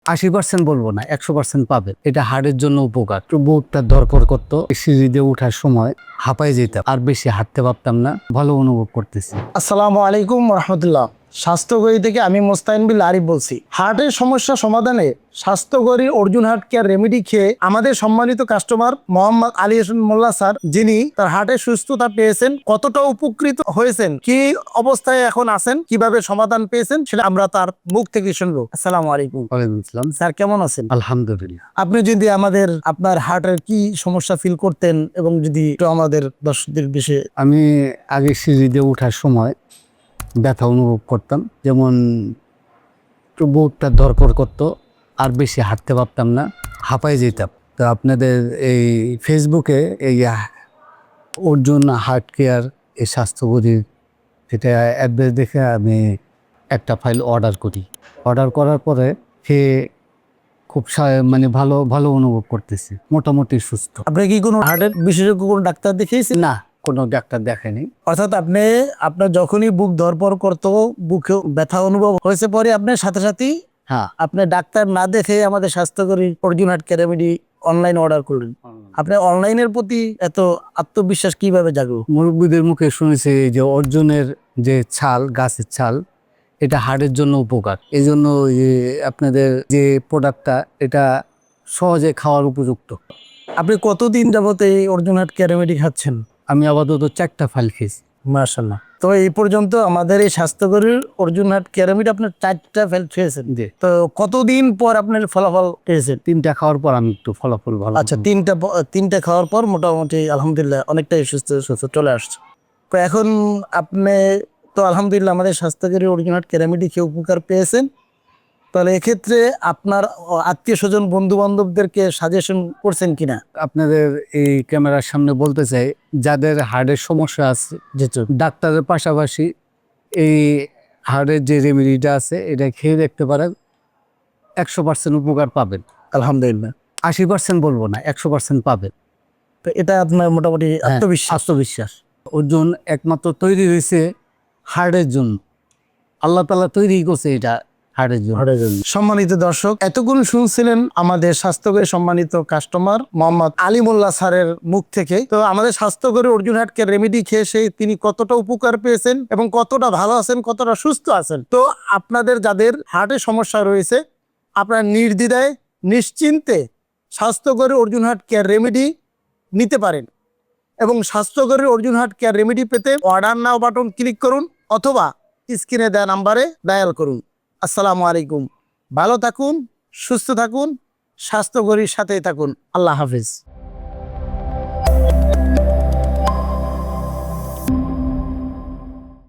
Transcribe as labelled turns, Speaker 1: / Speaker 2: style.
Speaker 1: 80% বলবো না, 100% পাবেন। এটা হার্টের জন্য উপকার। একটু বুকটা ধরপড় করতো, সিঁড়ি দিয়ে ওঠার সময় হাঁপাই যেতাম, আর বেশি হাঁটতে পারতাম না। ভালো অনুভব করতেছি।
Speaker 2: আসসালামু আলাইকুম রহমতুল্লাহ। স্বাস্থ্যগরী থেকে আমি মোস্তাইন বিল আরিফ বলছি। হার্টের সমস্যা সমাধানে স্বাস্থ্যগরী অর্জুন হার্ট কেয়ার রেমেডি খেয়ে আমাদের সম্মানিত কাস্টমার মোহাম্মদ আলী হোসেন মোল্লা স্যার, যিনি তার হার্টের সুস্থতা পেয়েছেন, কতটা উপকৃত হয়েছেন, কি অবস্থায় এখন আছেন, কিভাবে সমাধান পেয়েছেন, সেটা আমরা তার মুখ থেকে শুনবো। আসসালামু আলাইকুম।
Speaker 1: ওয়ালাইকুম আসসালাম।
Speaker 2: স্যার কেমন আছেন?
Speaker 1: আলহামদুলিল্লাহ।
Speaker 2: আপনি যদি আমাদের আপনার হার্টের কি সমস্যা ফিল করতেন এবং যদি একটু আমাদের দর্শকদের বিষয়ে।
Speaker 1: আমি আগে সিঁড়ি দিয়ে ওঠার সময় ব্যথা অনুভব করতাম, যেমন একটু বুকটা ধরপড় করতো, আর বেশি হাঁটতে পারতাম না, হাঁপাই যেতাম। তো আপনাদের এই ফেসবুকে এই অর্জুন হার্ট কেয়ার এই স্বাস্থ্যগরীর এটা অ্যাড্রেস দেখে আমি একটা ফাইল অর্ডার করি। অর্ডার করার পরে খেয়ে খুব মানে ভালো ভালো অনুভব করতেছি, মোটামুটি সুস্থ।
Speaker 2: আপনি কি কোনো হার্টের বিশেষজ্ঞ কোনো ডাক্তার দেখিয়েছেন?
Speaker 1: না, কোনো ডাক্তার দেখায়নি।
Speaker 2: অর্থাৎ আপনার যখনই বুক ধরপড় করতো, বুকে ব্যথা অনুভব হয়েছে, পরে আপনার সাথে সাথেই
Speaker 1: হ্যাঁ,
Speaker 2: আপনি ডাক্তার না দেখে আমাদের স্বাস্থ্যকরী Arjun heart care remedy online order করলেন। আপনার অনলাইনের প্রতি এত আত্মবিশ্বাস কিভাবে জাগলো?
Speaker 1: মুরব্বীদের মুখে শুনেছি যে অর্জুনের যে ছাল, গাছের ছাল, এটা হার্টের জন্য উপকার। এই জন্য আপনাদের যে প্রোডাক্টটা, এটা সহজে খাওয়ার উপযুক্ত।
Speaker 2: আপনি কতদিন যাবত এই অর্জুন হার্ট কেয়ার রেমেডি খাচ্ছেন?
Speaker 1: আমি আপাতত 4টা ফাইল খেয়েছি।
Speaker 2: মাশাআল্লাহ। তো এই পর্যন্ত আমাদের এই স্বাস্থ্যকরীর অর্জুন হার্ট কেয়ার রেমেডি আপনার 4টা ফেল খেয়েছেন।
Speaker 1: জি।
Speaker 2: তো কতদিন পর আপনার ফলাফল পেয়েছেন?
Speaker 1: 3টা খাওয়ার পর আমি একটু ফলাফল ভালো।
Speaker 2: আচ্ছা, তিনটা খাওয়ার পর মোটামুটি আলহামদুলিল্লাহ অনেকটাই সুস্থ সুস্থ চলে আসছে। তো এখন আপনি তো আলহামদুলিল্লাহ আমাদের স্বাস্থ্যকরী অর্জুন হার্ট কেয়ার রেমেডি খেয়ে উপকার পেয়েছেন। তাহলে এক্ষেত্রে আপনার আত্মীয় স্বজন বন্ধু বান্ধবদেরকে সাজেশন করছেন কিনা?
Speaker 1: আপনাদের এই ক্যামেরার সামনে বলতে চাই, যাদের হার্টের সমস্যা আছে,
Speaker 2: যেহেতু
Speaker 1: ডাক্তারের পাশাপাশি এই হার্টের যে রেমেডিটা আছে, এটা খেয়ে দেখতে পারেন। 100% উপকার পাবেন।
Speaker 2: আলহামদুলিল্লাহ।
Speaker 1: 80% বলবো না, 100% পাবেন।
Speaker 2: তো এটা আপনার মোটামুটি
Speaker 1: আত্মবিশ্বাস। অর্জুন একমাত্র তৈরি হয়েছে হার্টের জন্য। আল্লাহ তাআলা তৈরি করছে এটা হার্টের জন্য।
Speaker 2: সম্মানিত দর্শক, এতক্ষণ শুনছিলেন আমাদের স্বাস্থ্যকরী সম্মানিত কাস্টমার মোহাম্মদ আলী মোল্লা স্যারের মুখ থেকে। তো আমাদের স্বাস্থ্যকরী অর্জুন হার্ট কেয়ার রেমেডি খেয়ে তিনি কতটা উপকার পেয়েছেন এবং কতটা ভালো আছেন, কতটা সুস্থ আছেন। তো আপনাদের যাদের হার্টের সমস্যা রয়েছে, আপনারা নির্দ্বিধায় নিশ্চিন্তে স্বাস্থ্যকরী অর্জুন হার্ট কেয়ার রেমেডি নিতে পারেন। এবং স্বাস্থ্যকরী অর্জুন হার্ট কেয়ার রেমেডি পেতে অর্ডার নাও বাটন ক্লিক করুন অথবা স্ক্রিনে দেওয়া নাম্বারে ডায়াল করুন। আসসালামু আলাইকুম। ভালো থাকুন, সুস্থ থাকুন, স্বাস্থ্যকরীর সাথেই থাকুন। আল্লাহ হাফিজ।